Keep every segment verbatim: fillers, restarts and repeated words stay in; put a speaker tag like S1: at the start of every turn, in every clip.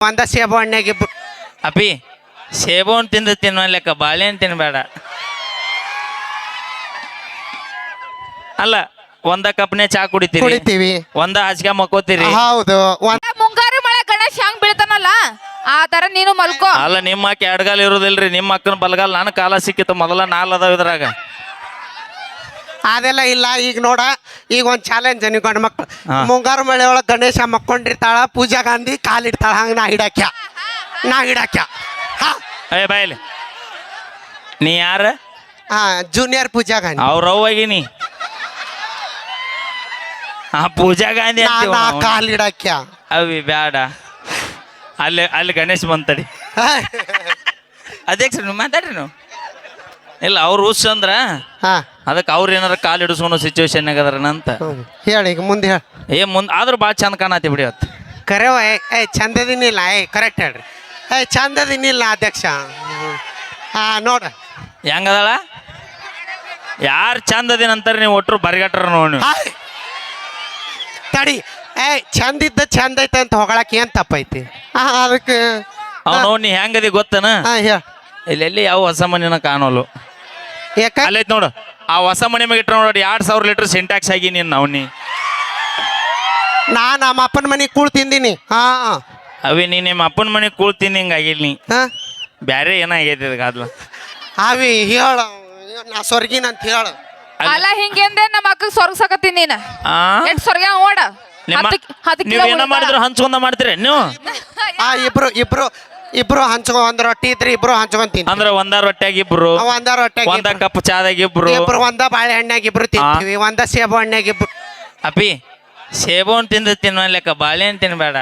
S1: ಒಂದ ಸೇಬು ಹಣ್ಣಾಗಿ
S2: ಅಪಿ ಸೇಬು ಹಣ್ಣು ತಿಂದು ತಿನ್ನೋ ಲೆಕ್ಕ ಬಾಳೆಹಣ್ಣು ತಿನ್ಬೇಡ. ಅಲ್ಲ ಒಂದ ಕಪ್ನೆ ಚಾ ಕುಡಿತೀರಿ,
S1: ಕುಡಿತೀವಿ,
S2: ಒಂದ ಹಾಸಿಗೆ ಮಕ್ಕೋತೀರಿ.
S1: ಹೌದು.
S3: ಮುಂಗಾರು ಮಳೆ ಗಣೇಶ ಹೆಂಗ್ ಬೀಳ್ತಾನಲ್ಲ ಆ ತರ ನೀನು ಮಲ್ಕೋ.
S2: ಅಲ್ಲ ನಿಮ್ಮ ಅಕ್ಕ ಎಡಗಾಲ ಇರೋದಿಲ್ರಿ, ನಿಮ್ಮ ಅಕ್ಕನ ಬಲಗಾಲ ನಾನು ಕಾಲ ಸಿಕ್ಕಿತ್ತು ಮೊದಲ ನಾಲ್ ಅದಾವ ಇದ್ರಾಗ.
S1: ಅದೆಲ್ಲ ಇಲ್ಲ. ಈಗ ನೋಡ, ಈಗ ಒಂದ್ ಚಾಲೆಂಜ್ ನೀವು ಗಂಡು ಮಕ್ಳು. ಮುಂಗಾರು ಮಳೆ ಒಳಗೆ ಗಣೇಶ ಮಕ್ಕೊಂಡಿರ್ತಾಳ, ಪೂಜಾ ಗಾಂಧಿ ಕಾಲಿಡ್ತಾಳ, ಹಂಗ ನಾ ಹಿಡಾಕ್ಯ ನಾ ಹಿಡಾಕ್ಯ ಹಾ
S2: ಏ ಬಾಯ್ಲಿ, ನೀ ಯಾರ?
S1: ಹಾ ಜೂನಿಯರ್ ಪೂಜಾ ಗಾಂಧಿ.
S2: ಅವ್ರ ಅವ್ವಾಗಿನಿ ಆ ಪೂಜಾ ಗಾಂಧಿ ಅಂತೀವ ನಾವು.
S1: ಕಾಲಿಡಾಕ್ಯ
S2: ಅವಿ ಬ್ಯಾಡ. ಅಲ್ಲಿ ಅಲ್ಲಿ ಗಣೇಶ್ ಬಂತಡಿ ಅಧ್ಯಕ್ಷ ನೀವು ಮಾತಾಡ್ರಿ ನೀವು. ಇಲ್ಲ ಅವ್ರು ಹುಸ್ ಅಂದ್ರ
S1: ಹಾ
S2: ಅದಕ್ಕೆ ಅವ್ರು ಏನಾರ ಕಾಲು ಹಿಡಿಸ್ಕೊಳೋ ಸಿಚುವೇಶನ್ ಆಗದಾರನಂತ
S1: ಹೇಳಿ. ಈಗ ಮುಂದೆ ಹೇಳಿ.
S2: ಏ ಮುಂದೆ ಆದ್ರೂ ಭಾಳ ಚಂದ ಕಾಣತಿ ಬಿಡಿ ಅವತ್ತು.
S1: ಕರೆವ ಏ ಚಂದದಿನಿಲ್ಲ. ಏ ಕರೆಕ್ಟ್ ಹೇಳ್ರಿ. ಏ ಚಂದದಿನಿಲ್ಲ ಅಧ್ಯಕ್ಷ. ಹಾ ನೋಡ
S2: ಹೆಂಗದಾಳ? ಯಾರು ಚಂದ ಅದಿನ ಅಂತಾರೆ ನೀವು ಒಟ್ಟರು ಬರಿಗಟ್ರ ನೋಡಿ.
S1: ತಡಿ. ಏ ಚಂದ ಇದ್ದ ಚಂದ ಐತೆ ಅಂತ ಹೊಗಳಕ್ಕೆ ಏನ್ ತಪ್ಪೈತಿ? ಹಾ ಅದಕ್ಕೆ
S2: ಅವ್ನು ನೀ ಹೆಂಗದಿ ಗೊತ್ತನ?
S1: ಹಾ ಹೇಳ.
S2: ಇಲ್ಲಿ ಎಲ್ಲಿ ಯಾವ ಹೊಸ ಮನಿನ ಕಾಣೋಲು.
S1: ಯಾಕ
S2: ಅಲ್ಲೈತ್ ನೋಡು, ಆ ಹೊಸ ಮನೆ ಮ್ಯಾಗ ಇಟ್ರ ನೋಡಿ ಎರಡ್ ಸಾವಿರ ಲೀಟರ್ ಸಿಂಟ್ಯಾಕ್ಸ್ ಆಗಿ ನೀನು ಅವ್ನಿ.
S1: ನಾ ನಮ್ಮ ಅಪ್ಪನ ಮನೆಗೆ ಕೂಳ್ ತಿಂದೀನಿ. ಹಾ
S2: ಅವಿ ನೀ ನಿಮ್ಮ ಅಪ್ಪನ ಮನೆಗೆ ಕೂಳ್ತೀನಿ ಹಿಂಗ ಆಗಿಲ್ಲ. ನೀ
S1: ಹಾ
S2: ಬ್ಯಾರೆ ಏನಾಗೈತಿ ಅದಕ್ಕೆ
S1: ಅವಿ ಹೇಳ, ನಾ ಸ್ವರ್ಗಿನ ಅಂತ ಹೇಳ.
S3: ಅಲ್ಲ ಹಿಂಗೇಂದೆ ನಮ್ಮ ಅಕ್ಕಗ್ ಸ್ವರ್ಗಸಕತ್ತೀನಿ ನೀನ.
S2: ಆ
S3: ಎಷ್ಟ್ ಸ್ವರ್ಗ ಓಡ
S2: ನೀವ್ ಏನ ಮಾಡಿದ್ರು ಹಂಚ್ಕೊಂಡ ಮಾಡ್ತೀರಿ ನೀವು?
S1: ಆ ಇಬ್ರು ಇಬ್ರು ಇಬ್ರು ಹಂಚ್ಕೊ, ಒಂದ್ ರೊಟ್ಟಿ ಇದ್ರೆ ಇಬ್ರು ಹಂಚ್ಕೊಂತೀನಿ.
S2: ಅಂದ್ರ ಒಂದ ರೊಟ್ಟ್ಯಾಗ ಇಬ್ರು,
S1: ಒಂದ ರೊಟ್ಟೆ
S2: ಒಂದ ಕಪ್ ಚಾದಾಗ ಇಬ್ರು,
S1: ಇಬ್ರು ಒಂದ ಬಾಳೆಹಣ್ಣಾಗ ಇಬ್ರು ತಿಂತೀವಿ, ಒಂದ ಸೇಬು ಹಣ್ಣಾಗ ಇಬ್ರು.
S2: ಅಪಿ ಸೇಬು ಹಣ್ಣು ತಿಂದು ತಿನ್ನೋ ಲೆಕ್ಕ ಬಾಳೆಹಣ್ಣು ತಿನ್ಬೇಡ.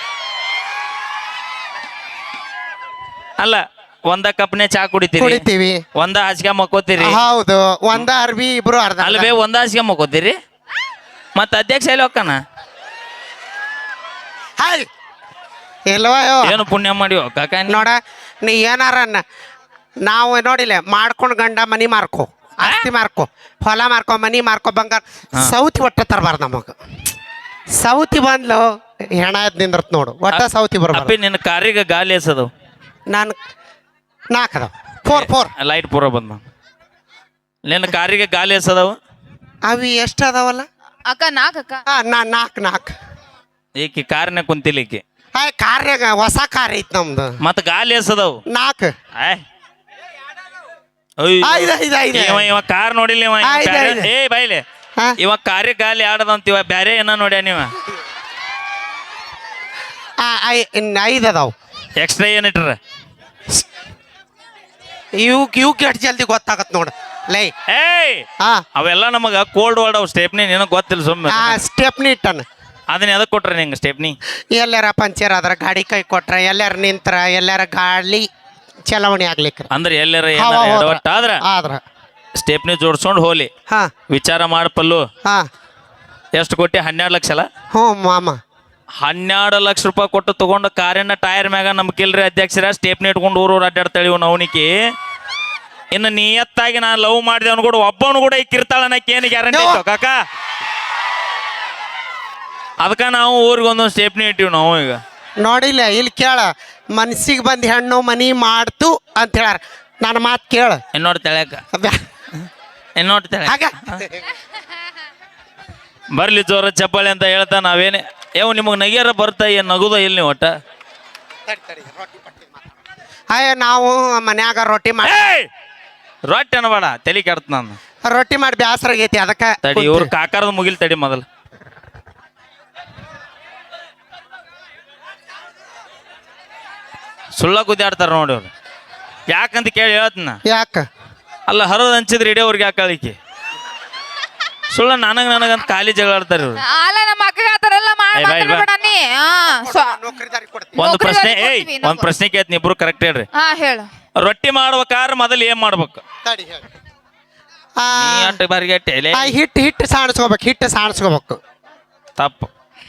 S2: ಅಲ್ಲ ಒಂದ ಕಪ್ನೆ ಚಾ ಕುಡಿತೀರಿ,
S1: ಕುಡಿತೀವಿ,
S2: ಒಂದ ಹಾಸಿಗೆ ಮಕ್ಕೋತೀರಿ.
S1: ಹೌದು. ಒಂದ ಅರ್ಬಿ ಇಬ್ರು ಅರ್ಧ.
S2: ಅಲ್ವೇ ಒಂದ ಹಾಸಿಗೆ ಮಕ್ಕೋತೀರಿ. ಮತ್ತ ಅಧ್ಯಕ್ಷ ಎಲ್ಲಿ ಹೋಗ್ತಾನ?
S1: ಹಾಯ್ ಇಲ್ವಾ?
S2: ಏನು ಪುಣ್ಯ ಮಾಡಿವ ಕಾಕ
S1: ನೋಡ, ನೀ ಏನಾರ ನಾವು ನೋಡಿಲ್ಲ ಮಾಡ್ಕೊಂಡ್ ಗಂಡ ಮನಿ ಮಾರ್ಕೊ, ಆಸ್ತಿ ಮಾರ್ಕೊ, ಹೊಲ ಮಾರ್ಕೊ, ಮನಿ ಮಾರ್ಕೊ, ಬಂಗಾರ. ಸೌತಿ ಒಟ್ಟ ತರಬಾರ್ದು ನಮಗ. ಸೌತಿ ಬಂದ್ಲು ಹೆಣ ಎದ್ ನಿಂದ್ರತ್ ನೋಡು. ಒಟ್ಟ ಸೌತಿ ಬರ್ಬಾರ್ದು.
S2: ಅಪ್ಪಿ ನಿನ್ನ ಕಾರಿಗೆ ಗಾಲಿ ಎಸದು
S1: ನಾನು ನಾಲ್ಕದವ್ ಫೋರ್ ಫೋರ್
S2: ಲೈಟ್ ಪೂರ ಬಂದ. ನಿನ್ನ ಕಾರಿಗೆ ಗಾಲಿ ಎಸದವು
S1: ಅವಿ ಎಷ್ಟು ಅದಾವಲ್ಲ
S3: ಅಕ್ಕ ನಾಕ್ ಅಕ್ಕ.
S1: ಹಾ ನಾ ನಾಲ್ಕು ನಾಲ್ಕು.
S2: ಈಕಿ ಕಾರ್ನ ಕುಂತಿಲಿಕ್ಕಿ
S1: ಹಾಯ್ ಕಾರ್ಯಾಗ ಹೊಸ ಕಾರ್ ಐತ್ ನಮ್ದು.
S2: ಮತ್ತ ಗಾಲಿ ಎಸದವು
S1: ನಾಲ್ಕು. ಐದು ಐದು ಐದು.
S2: ಇವ ಇವ ಕಾರ್ ನೋಡಿಲ್ಲ ಇವ.
S1: ಐದ್ ಐದ್.
S2: ಏ ಬೈಲೆ
S1: ಹಾ
S2: ಇವ ಕಾರ್ಯ ಗಾಲಿ ಆಡದಂತೀವ ಬ್ಯಾರೆ ಏನ ನೋಡ್ಯ ನೀವ?
S1: ಐದು ಅದಾವ.
S2: ಎಕ್ಸ್ಟ್ರಾ ಏನಿಟ್ರ
S1: ಇವ್ಕ್ ಇವ್ಕ್ ಎಷ್ಟು ಜಲ್ದಿ ಗೊತ್ತಾಗತ್ ನೋಡು ಲೈ.
S2: ಏಯ್
S1: ಹಾ
S2: ಅವೆಲ್ಲ ನಮಗ ಕೋಲ್ಡ್ ವರ್ಡ್ ಅವ್ ಸ್ಟೆಪ್ನಿ ನಿನಗೆ ಗೊತ್ತಿಲ್ಲ ಸುಮ್ಮನೆ.
S1: ಆ ಸ್ಟೆಪ್ನಿ ಇಟ್ಟನ.
S2: ಅದನ್ನ ಎದಕ್ ಕೊಟ್ರ ನಿಂಗೆ ಸ್ಟೆಪ್ನಿ?
S1: ಎಲ್ಲಾರ ಪಂಚರ್ ಆದ್ರ ಗಾಡಿ ಕೈ ಕೊಟ್ರ, ಎಲ್ಲಾರ ನಿಂತ್ರ, ಎಲ್ಲಾರ ಗಾಳಿ ಚಲಾವಣೆ ಆಗ್ಲಿಕ್ಕೆ
S2: ಅಂದ್ರೆ ಎಲ್ಲಾರ ಎಡವಟ್ಟ ಆದ್ರ
S1: ಆದ್ರ
S2: ಸ್ಟೆಪ್ನಿ ಜೋಡ್ಸ್ಕೊಂಡು ಹೋಲಿ.
S1: ಹಾ
S2: ವಿಚಾರ ಮಾಡ ಪಲ್ಲು.
S1: ಹಾ
S2: ಎಷ್ಟು ಕೊಟ್ಟಿ? ಹನ್ನೆರಡು ಲಕ್ಷ ಅಲ್ಲ?
S1: ಹ್ಞೂ ಮಾಮ.
S2: ಹನ್ನೆರಡು ಲಕ್ಷ ರೂಪಾಯಿ ಕೊಟ್ಟು ತಗೊಂಡು ಕಾರಿನ ಟೈರ್ ಮ್ಯಾಗ ನಮ್ಗಿಲ್ರಿ ಅಧ್ಯಕ್ಷರ ಸ್ಟೇಪ್ನಿ ಇಟ್ಕೊಂಡು ಊರು ಊರು ಅಡ್ಡಾಡ್ತಾಳಿ ನವನಿಕೆ. ಇನ್ನು ನಿಯತ್ತಾಗಿ ನಾನು ಲವ್ ಮಾಡಿದೆ ಅವ್ನು ಕೂಡ ಒಬ್ಬನು ಕೂಡ ಇಕ್ಕಿರ್ತಾಳ ಅನ್ನಕ್ಕೆ ಏನು ಗ್ಯಾರಂಟಿ ಇತ್ತು ಕಾಕ? ಅದಕ್ಕೆ ನಾವು ಊರಿಗೆ ಒಂದೊಂದು ಸ್ಟೇಪ್ನಿ ಇಟ್ಟಿವಿ ನಾವು. ಈಗ
S1: ನೋಡಿಲ್ಲ ಇಲ್ಲಿ ಕೇಳ, ಮನ್ಸಿಗೆ ಬಂದು ಹೆಣ್ಣು ಮನಿ ಮಾಡ್ತು ಅಂತ ಹೇಳಾರ. ನನ್ನ ಮಾತು ಕೇಳ.
S2: ಇನ್ನೋಡ್ ತೆಳ್ಯಾಕ ಇನ್ನೋಡ್ ತೆಳ್ಯಾಕ
S1: ಹಾಗ
S2: ಬರ್ಲಿ ಜೋರ ಚಪ್ಪಾಳೆ ಅಂತ ಹೇಳ್ತಾ ನಾವೇನೆ ಏವ್ ನಿಮಗೆ ನಗಿಯಾರ ಬರ್ತಾ ಏನು ನಗುದ ಇಲ್ಲಿ ನೀವು ಒಟ್ಟ?
S1: ಅಯ್ಯ ನಾವು ಮನ್ಯಾಗ ರೊಟ್ಟಿ ಮಾಡಿ
S2: ರೊಟ್ಟಿ ಅನ್ಬೇಡ, ತಲೆ ಕೆಡ್ತ ನಾನು.
S1: ರೊಟ್ಟಿ ಮಾಡಿ ಬ್ಯಾಸರ ಆಗೈತಿ ಅದಕ್ಕೆ
S2: ತಡಿ ಇವ್ರು ಕಾಕಾರದ ಮುಗಿಲ್ ತಡಿ ಮೊದಲು. ಸುಳ್ಳ ಕುದ್ದಾಡ್ತಾರ ನೋಡಿ ಅವ್ರು. ಯಾಕಂತ ಕೇಳಿ ಹೇಳ್ತನ.
S1: ಯಾಕ?
S2: ಅಲ್ಲ ಹರದ ಹಂಚಿದ್ರೆ ಇಡೀ ಅವ್ರಿಗೆ ಯಾಕೆ ಕಳಿಕೆ ಸುಳ್ಳ ನನಗ ನನಗಂತ ಖಾಲಿ ಜಗಳಾಡ್ತಾರೆ ಇವ್ರು.
S3: ಅಲ್ಲ ನಮ್ಮ ಅಕ್ಕಗ ಆತರೆಲ್ಲ ಮಾತಾಡಬೇಡ ನೀ.
S2: ಒಂದು ಪ್ರಶ್ನೆ ಏಯ್ ಒಂದ್ ಪ್ರಶ್ನೆ ಕೇಳ್ತೀನಿ, ಇಬ್ರು ಕರೆಕ್ಟ್ ಹೇಳ್ರಿ.
S3: ಹಾ ಹೇಳು.
S2: ರೊಟ್ಟಿ ಮಾಡ್ಬೇಕಾದ್ರೆ ಮೊದಲು ಏನ್ ಮಾಡ್ಬೇಕು?
S1: ಹಿಟ್ಟು ಹಿಟ್ಟು ಸಾಣಿಸ್ಕೋಬೇಕು. ಹಿಟ್ಟು ಸಾಣಿಸ್ಕೋಬೇಕು.
S2: ತಪ್ಪು.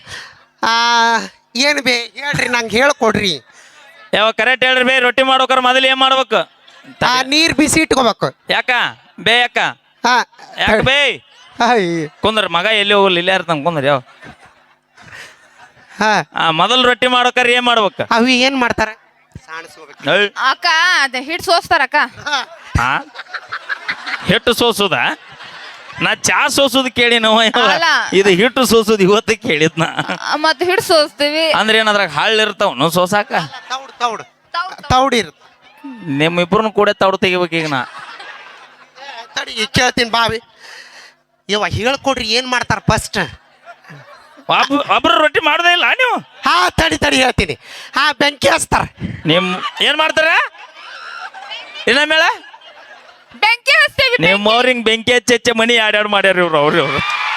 S1: ಏನು ಬೇ ಹೇಳ್ರಿ, ನಂಗೆ ಹೇಳ್ಕೊಡ್ರಿ.
S2: ಯಾವ ಕರೆಕ್ಟ್ ಹೇಳ್ರಿ ಬೇ. ರೊಟ್ಟಿ ಮಾಡ್ಬೇಕಾರೆ ಮೊದಲು ಏನ್ ಮಾಡ್ಬೇಕು?
S1: ನೀರ್ ಬಿಸಿ ಇಟ್ಕೋಬೇಕು.
S2: ಯಾಕ ಬೇ? ಯಾಕ
S1: ಹಾ
S2: ಯಾಕ ಬೇ? ಕುಂದ್ರ ಮಗ ಎಲ್ಲಿ ಹೋಗಲ್ಲ, ಇಲ್ಲೇ ಇರ್ತಾನ ಕುಂದ್ರ. ಯಾವ
S1: ಹಾ
S2: ಆ ಮೊದಲು ರೊಟ್ಟಿ ಮಾಡೋಕಾರೆ ಏನ್ ಮಾಡ್ಬೇಕ
S1: ಅವಿ ಏನ್ ಮಾಡ್ತಾರ ಸಾಣಿಸ್ಕೋಬೇಕು
S2: ಏಯ್,
S3: ಅಕ್ಕ ಅದ ಹಿಟ್ ಸೋಸ್ತಾರ ಅಕ್ಕ
S2: ಆ? ಹಿಟ್ಟು ಸೋಸುದ ನಾ ಚಾ ಸೋಸುದು ಕೇಳಿ ನಾವು
S3: ಅಲ್ಲ.
S2: ಇದು ಹಿಟ್ಟು ಸೋಸುದು ಇವತ್ತು ಕೇಳಿದ್ ನಾ
S3: ಆ, ಮತ್ತ್ ಹಿಟ್ ಸೋಸ್ತೀವಿ
S2: ಅಂದ್ರೆ ಏನಾದ್ರಾಗ ಹಳ್ಳ ಇರ್ತಾವ ಸೋಸಾಕ
S1: ತೌಡ್ ತೌಡ್ ತೌಡ್ ಇರ್
S2: ನಿಮ್ಮ ಇಬ್ರನ್ನ ಕೂಡ ತೌಡು ತೆಗಿಬೇಕು ಈಗ ನಾ
S1: ತಡಿ ಈಗ ಕೇಳ್ತೀನಿ ಬಾವಿ ಇವ ಹೇಳ್ಕೊಡ್ರಿ ಏನ್ ಮಾಡ್ತಾರ ಫಸ್ಟ್
S2: ಒಬ್ಬ ಒಬ್ರು ರೊಟ್ಟಿ ಮಾಡೋದೇ ಇಲ್ಲ ನೀವು
S1: ಹಾ ತಡಿ ತಡಿ ಹೇಳ್ತೀನಿ ಹಾ ಬೆಂಕಿ ಹಚ್ತಾರ
S2: ನಿಮ್ ಏನ್ ಮಾಡ್ತಾರ ಇನ್ನ ಮೇಳ
S3: ಬೆಂಕಿ ಹಚ್ತೀವಿ
S2: ನಿಮ್ಮವ್ರ ಹಿಂಗ್ ಬೆಂಕಿ ಹಚ್ಚಿ ಹಚ್ಚಿ ಮನಿ ಆಡ್ಯಾಡ್ ಮಾಡ್ಯಾರ ಇವ್ರು ಅವ್ರು ಇವ್ರು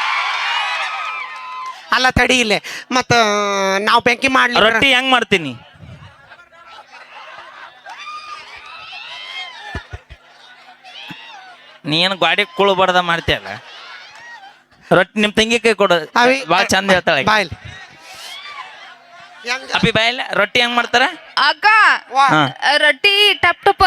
S1: ಅಲ್ಲ ತಡಿ ಇಲ್ಲೇ ಮತ್ತ ನಾವು ಬೆಂಕಿ ಮಾಡ್ಲಿ
S2: ರೊಟ್ಟಿ ಹೆಂಗ್ ಮಾಡ್ತೀನಿ ನೀನ್ ಗಾಡಿ ಕುಳು ಬಡ್ದ ಮಾಡ್ತೀಯಲ್ಲ ರೊಟ್ಟಿ ನಿಮ್ ತಂಗಿ ಕೈ ಕೊಡು
S1: ಅವಿ
S2: ಭಾಳ ಚಂದ ಹೇಳ್ತಾಳೆ ಆಕಿ.
S1: ಬಾಯ್ಲಿ ಹೆಂಗ
S2: ಅಪ್ಪಿ ಬಾಯಿಲ್ಲ ರೊಟ್ಟಿ ಹೆಂಗ್ ಮಾಡ್ತಾರ
S3: ಅಕ್ಕ
S1: ವಾ
S2: ಹಾ.
S3: ರೊಟ್ಟಿ ಟಪ್ ಟಪ್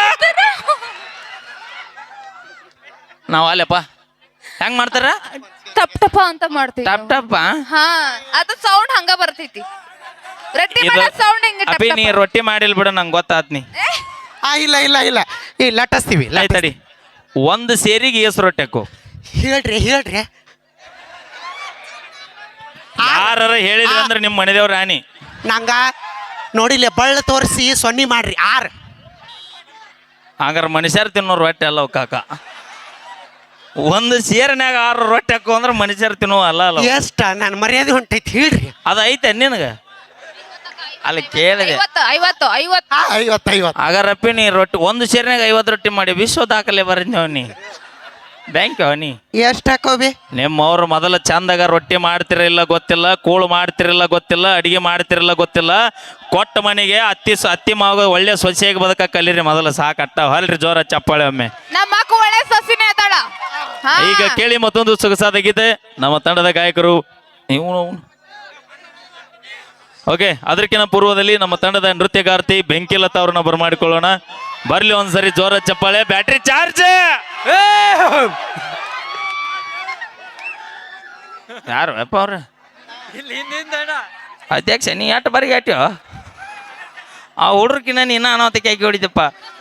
S2: ನಾವ್ ಅಲ್ಲಪ್ಪ ಹೆಂಗ್ ಮಾಡ್ತಾರ
S3: ಟಪ್ ಟಪ ಅಂತ ಮಾಡ್ತೀವಿ
S2: ಟಪ್ ಟಪ್
S3: ಹಾ ಅದು ಸೌಂಡ್ ಹಂಗ ಬರ್ತೈತಿ ರೊಟ್ಟಿ
S2: ಇದು
S3: ಮಾಡೋ ಸೌಂಡ್ ಹಿಂಗ ಟಪ್
S2: ಅಪ್ಪಿ ನೀ
S3: ಟಪ.
S2: ರೊಟ್ಟಿ ಮಾಡಿಲ್ ಬಿಡ ನಂಗೆ ಗೊತ್ತಾತ್ ನೀ
S3: ಏ,
S1: ಆ ಇಲ್ಲ ಇಲ್ಲ ಇಲ್ಲ ಈ ಲಟಸ್ತೀವಿ
S2: ಆಯ್ತಡಿ ಒಂದು ಸೇರಿಗೆ ಏಸು ರೊಟ್ಟಿ ಹಾಕು
S1: ಹೇಳ್ರಿ ಹೇಳ್ರಿ
S2: ಯಾರ ಹೇಳಿದ್ರಿ ಅಂದ್ರೆ ನಿಮ್ಮ ಮನೆದೇವ್ರ ರಾಣಿ
S1: ನಂಗ ನೋಡಿಲ್ಲ ಬಳ್ಳ ತೋರಿಸಿ ಸೊನ್ನಿ ಮಾಡ್ರಿ ಆರ್
S2: ಹಂಗಾರ ಮನುಷ್ಯರು ತಿನ್ನೋ ರೊಟ್ಟಿ ಅಲ್ಲ ಅವು ಕಾಕ ಒಂದು ಸೇರಿನ್ಯಾಗ ಆರು ರೊಟ್ಟಿ ಹಾಕು ಅಂದ್ರೆ ಮನುಷ್ಯರು ತಿನ್ನೋ ಅಲ್ಲ ಅಲ್ಲ ಅವು.
S1: ಎಷ್ಟ ನನ್ನ ಮರ್ಯಾದೆ ಹೊಂಟೈತಿ ಹೇಳ್ರಿ
S2: ಅದು ಐತೆ ನಿನಗ ಅಲ್ಲಿ ಕೇಳಿದೆ
S3: ಐವತ್ತು ಐವತ್ತು ಐವತ್ತು
S1: ಆ ಐವತ್ತು ಐವತ್ತು
S2: ಹಾಗಾರಪ್ಪಿ ನೀ ರೊಟ್ಟಿ ಒಂದು ಸೇರಿನಾಗ ಐವತ್ತು ರೊಟ್ಟಿ ಮಾಡಿ ವಿಶ್ವ ದಾಖಲೆ ಬರೀದ್ನೇವ್ ನೀ ಬ್ಯಾಂಕ್ ನೀ
S1: ಎಷ್ಟ ಹಾಕೋಬಿ
S2: ನಿಮ್ಮವ್ರು ಮೊದಲ ಚಂದಾಗ ರೊಟ್ಟಿ ಮಾಡ್ತಿರಲಿಲ್ಲ ಗೊತ್ತಿಲ್ಲ ಕೂಳು ಮಾಡ್ತಿರಲಿಲ್ಲ ಗೊತ್ತಿಲ್ಲ ಅಡಿಗೆ ಮಾಡ್ತಿರಲಿಲ್ಲ ಗೊತ್ತಿಲ್ಲ ಕೊಟ್ಟ ಮನೆಗೆ ಅತ್ತಿ ಸ- ಅತ್ತಿ ಮಾವ ಒಳ್ಳೆ ಸೊಸೆಯಾಗಿ ಬದುಕ ಕಲೀರಿ ಮೊದಲು ಸಾಕಟ್ಟ ಹೊಲ್ರಿ ಜೋರ ಚಪ್ಪಾಳೆ ಒಮ್ಮೆ
S3: ನಮ್ಮ ಅಕ್ಕ ಒಳ್ಳೆ ಸಸಿನೇ ಅದಾಳ ಹಾ.
S2: ಈಗ ಕೇಳಿ ಮತ್ತೊಂದು ಸೊಗಸಾದ ಗೀತೆ ನಮ್ಮ ತಂಡದ ಗಾಯಕರು ನೀವು ಓಕೆ ಅದಕ್ಕಿಂತ ಪೂರ್ವದಲ್ಲಿ ನಮ್ಮ ತಂಡದ ನೃತ್ಯಗಾರ್ತಿ ಬೆಂಕಿಲತಾ ಅವ್ರನ್ನ ಬರಮಾಡಿಕೊಳ್ಳೋಣ ಬರ್ಲಿ ಒಂದ್ಸರಿ ಜೋರ ಚಪ್ಪಾಳೆ ಬ್ಯಾಟ್ರಿ ಚಾರ್ಜ್ ಯಾರು ಅಪ್ಪ ಅವ್ರ ಅಧ್ಯಕ್ಷ ನೀ ಎಟ್ಟು ಬರಿಗೆ ಆಟ್ಯೋ ಆ ಹುಡ್ರಕಿನ್ನ ನೀನ ಅನಾಹುತಕ್ಕೆ ಹಾಕಿ ಹೊಡಿದಪ್ಪ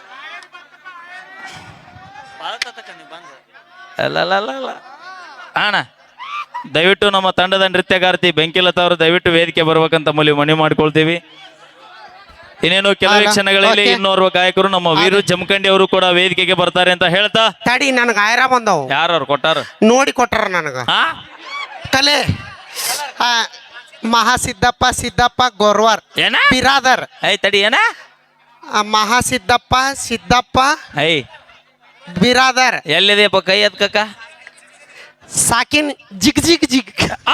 S2: ಅಲ್ಲ ಅಲ್ಲ ಅಲ್ಲ ಅಲ್ಲ ಅಣ್ಣ ದಯವಿಟ್ಟು ನಮ್ಮ ತಂಡದ ನೃತ್ಯಗಾರ್ತಿ ಬೆಂಕಿಲತಾ ಅವರು ದಯವಿಟ್ಟು ವೇದಿಕೆ ಬರ್ಬೇಕಂತ ಮೂಲಿ ಮನವಿ ಮಾಡ್ಕೊಳ್ತೀವಿ ಇನ್ನೇನು ಕೆಲವೇ
S1: ಅಲ್ಲ,
S2: ಕ್ಷಣಗಳಲ್ಲಿ
S1: ಓಕೆ.
S2: ಇನ್ನೋರ್ವ ಗಾಯಕರು ನಮ್ಮ ವೀರು ಜಮಖಂಡಿ ಅವರು ಕೂಡ ವೇದಿಕೆಗೆ ಬರ್ತಾರೆ ಅಂತ ಹೇಳ್ತಾ
S1: ತಡಿ ನನಗ ಆಯ್ರ ಬಂದವು
S2: ಯಾರು ಕೊಟ್ಟಾರ
S1: ನೋಡಿ ಕೊಟ್ಟಾರ ನನಗ
S2: ಹಾ
S1: ಕಲೆ ಆ, ಮಹಾಸಿದ್ದಪ್ಪ ಸಿದ್ದಪ್ಪ ಗೊರ್ವರ್
S2: ಏನ
S1: ಬಿರಾದರ್
S2: ಐ ತಡಿ ಏನ
S1: ಆ, ಮಹಾಸಿದ್ದಪ್ಪ ಸಿದ್ದಪ್ಪ
S2: ಐ
S1: ಬಿರಾದರ್
S2: ಎಲ್ಲಿದೆಯಪ್ಪ ಕೈ ಎತ್ಕಕ್ಕ
S1: ಸಾಕಿನ್ ಜಿಗ್ ಜಿಗ್ ಜಿಗ್
S2: ಆ?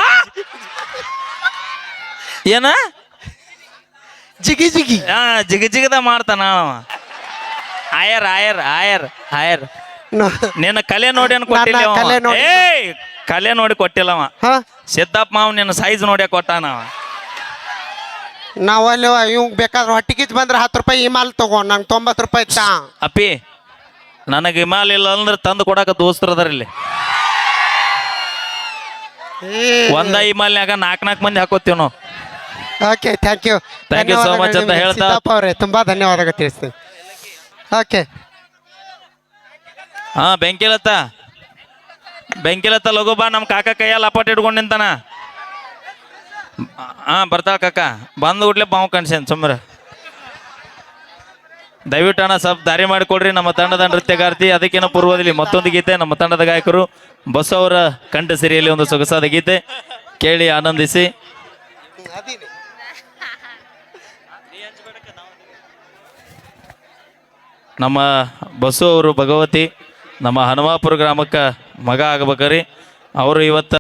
S2: ಏನ
S1: ಜಿಗಿ ಜಿಗಿ
S2: ಹಾ ಜಿಗ ಜಿಗದ ಮಾಡ್ತಾನ ಅವ. ಆಯರ್ ಆಯರ್ ಆಯರ್ ಆಯರ್
S1: ನ-
S2: ನಿನ್ನ ಕಲೆ ನೋಡಿ ಅನ್ ಕೊಟ್ಟಿಲ್ಲ
S1: ನನ್ನ
S2: ಅವ.
S1: ಕಲೆ ನೋಡಿ-
S2: ಏಯ್ ಕಲೆ ನೋಡಿ ಕೊಟ್ಟಿಲ್ಲ ಅವ
S1: ಹ
S2: ಸಿದ್ದಪ್ಪ ಮಾವ್ ನಿನ್ನ ಸೈಜ್ ನೋಡಿ ಕೊಟ್ಟಾನ ಅವ.
S1: ನಾವಲ್ಲಿ ಇವ್ ಬೇಕಾದ್ರೆ ಹೊಟ್ಟಿಗಿಜ್ ಬಂದ್ರೆ ಹತ್ತು ರೂಪಾಯಿ ಈ ಮಾಲ್ ತಗೋ ನಂಗೆ ತೊಂಬತ್ತು ರೂಪಾಯಿ ತಾ
S2: ಅಪ್ಪಿ ನನಗೆ ಹಿಮಾಲ ಇಲ್ಲ ಅಂದ್ರೆ ತಂದು ಕೊಡಾಕ ದೋಸ್ತರು ಅದಾರ ಇಲ್ಲಿ ಒಂದ ಹಿಮಾಲ್ನ್ಯಾಗ ನಾಲ್ಕು ನಾಲ್ಕು ಮಂದಿ ಹಾಕೋತೀವಿ ನಾವು
S1: okay thank you
S2: Thank you so much ಅಂತ ಹೇಳ್ತಾ-
S1: ಸಿದ್ದಪ್ಪ ಅವರೇ ತುಂಬಾ ಧನ್ಯವಾದಗಳು ತಿಳಿಸ್ತೀನಿ ಓಕೆ
S2: ಹಾ ಬೆಂಕಿಲತ್ತ ಬೆಂಕಿಲತ್ತ ಲಘು ಬಾ ನಮ್ಮ ಕಾಕ ಕೈಯಲ್ಲಿ ಅಪಾಟ್ ಇಟ್ಕೊಂಡು ನಿಂತಾನ ಹಾ ಬರ್ತಾಳ ಕಾಕ ಬಂದು ಕೂಡ್ಲೆ ಬಾವು ಕಣ್ಸೇನ್ ಸುಮ್ರ ದಯವಿಟ್ಟು ಅಣ್ಣ ಸ್ವಲ್ಪ ದಾರಿ ಮಾಡಿಕೊಡ್ರಿ ನಮ್ಮ ತಂಡದ ನೃತ್ಯಗಾರ್ತಿ ಅದಕ್ಕಿಂತ ಪೂರ್ವದಲ್ಲಿ ಮತ್ತೊಂದು ಗೀತೆ ನಮ್ಮ ತಂಡದ ಗಾಯಕರು ಬಸ್ ಅವರ ಕಂಠ ಸಿರಿಯಲ್ಲಿ ಒಂದು ಸೊಗಸಾದ ಗೀತೆ ಕೇಳಿ ಆನಂದಿಸಿ ನಮ್ಮ ಬಸ್ಸು ಅವರು ಭಗವತಿ ನಮ್ಮ ಹನುಮಾಪುರ ಗ್ರಾಮಕ್ಕೆ ಮಗ ಆಗ್ಬೇಕ್ರಿ ಅವರು ಇವತ್ತು